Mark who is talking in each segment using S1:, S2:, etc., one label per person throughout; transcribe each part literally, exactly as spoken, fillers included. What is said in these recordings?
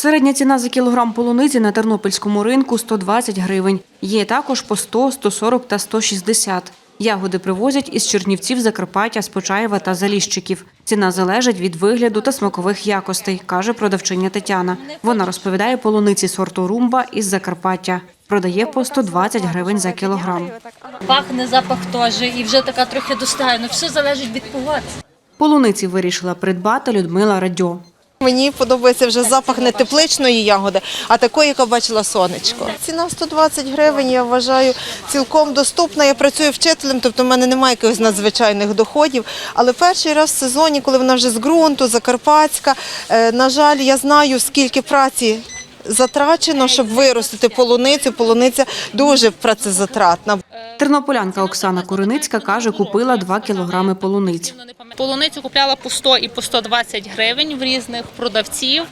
S1: Середня ціна за кілограм полуниці на тернопільському ринку – сто двадцять гривень. Є також по сто, сто сорок та сто шістдесят. Ягоди привозять із Чернівців, Закарпаття, з Почаєва та Заліщиків. Ціна залежить від вигляду та смакових якостей, каже продавчиня Тетяна. Вона розповідає, полуниці сорту «Румба» із Закарпаття. Продає по сто двадцять гривень за кілограм.
S2: Пахне, запах теж, і вже така трохи достає. Ну, все залежить від погоди.
S1: Полуниці вирішила придбати Людмила Радьо.
S3: Мені подобається вже запах не тепличної ягоди, а такої, яка бачила сонечко. Ціна сто двадцять гривень, я вважаю, цілком доступна. Я працюю вчителем, тобто в мене немає якихось надзвичайних доходів. Але перший раз в сезоні, коли вона вже з ґрунту, закарпатська, на жаль, я знаю, скільки праці затрачено, щоб виростити полуницю. Полуниця дуже працезатратна.
S1: Тернополянка Оксана Куриницька каже, купила два кілограми полуниць.
S4: Полуницю купляла по сто і по сто двадцять гривень в різних продавців.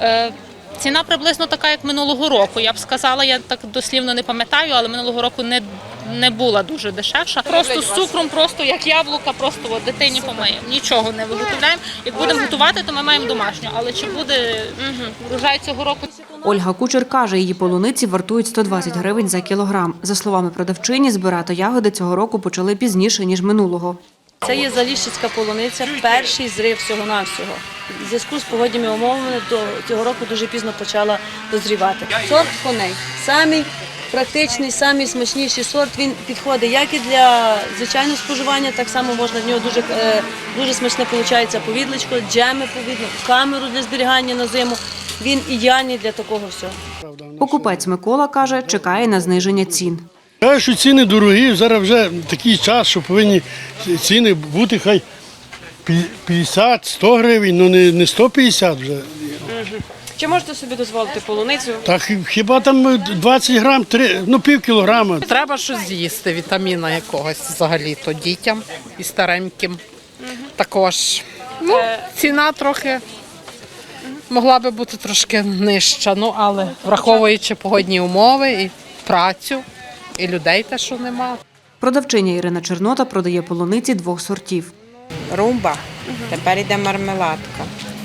S4: Ціна приблизно така, як минулого року. Я б сказала, я так дослівно не пам'ятаю, але минулого року не, не була дуже дешевша. Просто з цукром, просто як яблука, просто от, дитині помиємо. Нічого не виготовляємо. Як будемо готувати, то ми маємо домашню. Але чи буде врожай цього року?
S1: Ольга Кучер каже, її полуниці вартують сто двадцять гривень за кілограм. За словами продавчині, збирати ягоди цього року почали пізніше, ніж минулого.
S5: Це є заліщицька полуниця, перший зрив всього-навсього. В зв'язку з погодніми умовами до цього року дуже пізно почала дозрівати. Сорт коней. Самий практичний, самий смачніший сорт. Він підходить як і для звичайного споживання, так само можна в нього дуже, дуже смачне виходить повідличко, джеми повідло, камеру для зберігання на зиму. Він ідеальний для такого всього.
S1: Покупець Микола каже, чекає на зниження цін.
S6: Кажу, що ціни дорогі, зараз вже такий час, що повинні ціни бути хай п'ятдесят - сто гривень, ну не сто п'ятдесят вже.
S7: Чи можете собі дозволити полуницю?
S6: Так хіба там двадцять грам, ну пів кілограма.
S8: Треба щось з'їсти, вітаміна якогось взагалі-то дітям і стареньким. Також ну, ціна трохи могла би бути трошки нижча, ну але враховуючи погодні умови і працю, і людей те, що нема.
S1: Продавчиня Ірина Чернота продає полуниці двох сортів.
S9: Румба, тепер йде мармеладка.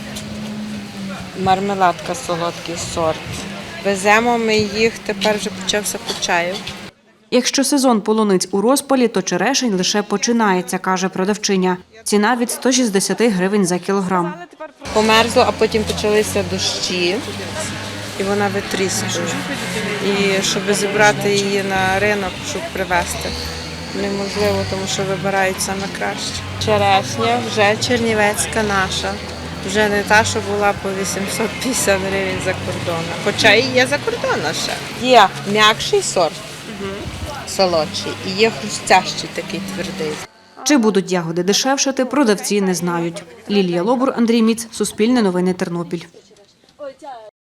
S9: Мармеладка – солодкий сорт. Веземо ми їх, тепер вже почався Почаїв.
S1: Якщо сезон полуниць у розпалі, то черешень лише починається, каже продавчиня. Ціна від ста шістдесяти гривень за кілограм.
S9: Померзло, а потім почалися дощі, і вона витріскує. І щоб зібрати її на ринок, щоб привезти, неможливо, тому що вибирають саме краще. Черешня вже чернівецька наша. Вже не та, що була по вісімсот п'ятдесят гривень за кордоном. Хоча і є за кордоном ще. Є м'якший сорт, солодший, і є хрустящий такий твердий.
S1: Чи будуть ягоди дешевшати, продавці не знають. Лілія Лобур, Андрій Міц, Суспільне новини, Тернопіль.